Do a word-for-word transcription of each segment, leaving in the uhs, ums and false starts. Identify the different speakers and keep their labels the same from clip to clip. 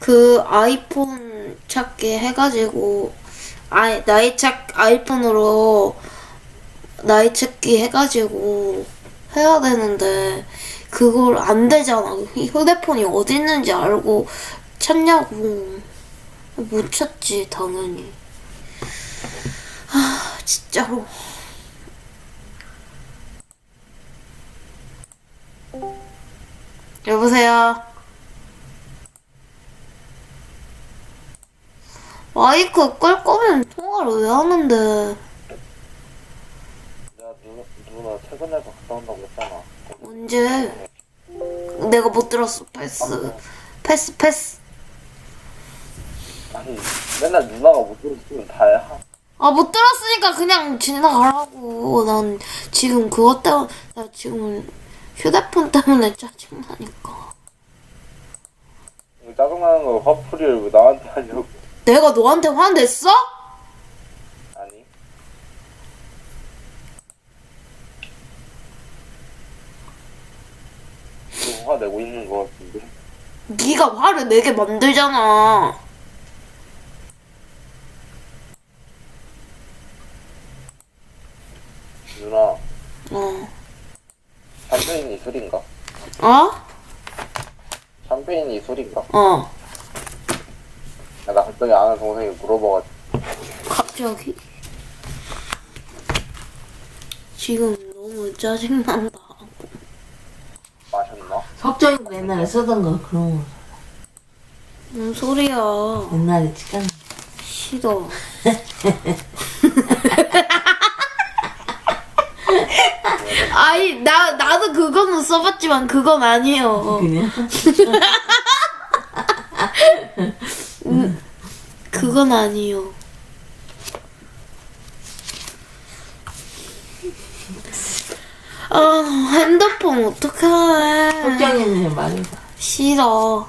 Speaker 1: 그 아이폰 찾기 해가지고 아 나이 찾 아이폰으로 나이 찾기 해가지고 해야 되는데 그걸 안 되잖아. 휴대폰이 어디 있는지 알고 찾냐고. 못 찾지 당연히. 아 진짜로. 여보세요. 마이크 끌 거면 통화를 왜 하는데?
Speaker 2: 내가 누나, 누나 퇴근해서 갔다 온다고 했잖아.
Speaker 1: 언제? 내가 못 들었어. 패스. 패스 패스.
Speaker 2: 아니, 맨날 누나가 못 들었으면 다야.
Speaker 1: 아 못 들었으니까 그냥 지나가라고. 난 지금 그것 때문에 나 지금 휴대폰 때문에 짜증나니까.
Speaker 2: 왜 짜증나는 거 화풀이를 왜 나한테 하냐고.
Speaker 1: 내가 너한테 화냈어?
Speaker 2: 아니. 좀 화내고 있는 거 같은데.
Speaker 1: 네가 화를 내게 만들잖아.
Speaker 2: 누나,
Speaker 1: 어.
Speaker 2: 샴페인이 술인가?
Speaker 1: 어?
Speaker 2: 샴페인이 술인가?
Speaker 1: 어.
Speaker 2: 나 갑자기 아는 동생이 물어봐가지고.
Speaker 1: 갑자기? 지금 너무 짜증난다.
Speaker 2: 마셨나?
Speaker 3: 석정이 옛날에 쓰던 거 그런 거
Speaker 1: 뭔 소리야.
Speaker 3: 옛날에 찍었나?
Speaker 1: 싫어. 아니 나 나도 그거는 써봤지만 그건 아니에요.
Speaker 3: 그냥?
Speaker 1: 그건 아니에요. 아 핸드폰 어떡해.
Speaker 3: 석정이는 말해봐.
Speaker 1: 싫어.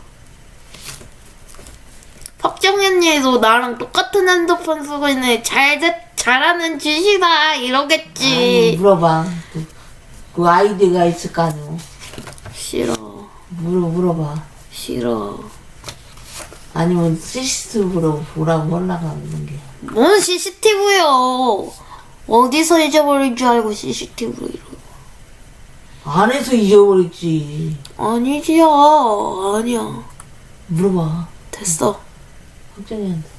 Speaker 1: 박정현님도 나랑 똑같은 핸드폰 쓰고 있는데 잘 돼- 잘하는 짓이다
Speaker 3: 아니,
Speaker 1: 이러겠지.
Speaker 3: 물어봐. 그, 그 아이디가 있을 거 아니오.
Speaker 1: 싫어.
Speaker 3: 물어, 물어봐.
Speaker 1: 싫어.
Speaker 3: 아니면 씨씨티비로 보라고 올라가는 게.
Speaker 1: 뭔 씨씨티비요? 어디서 잊어버린 줄 알고 씨씨티비로 이러.
Speaker 3: 안에서 잊어버렸지.
Speaker 1: 아니지야. 아니야.
Speaker 3: 물어봐.
Speaker 1: 됐어.
Speaker 3: 석정이한테.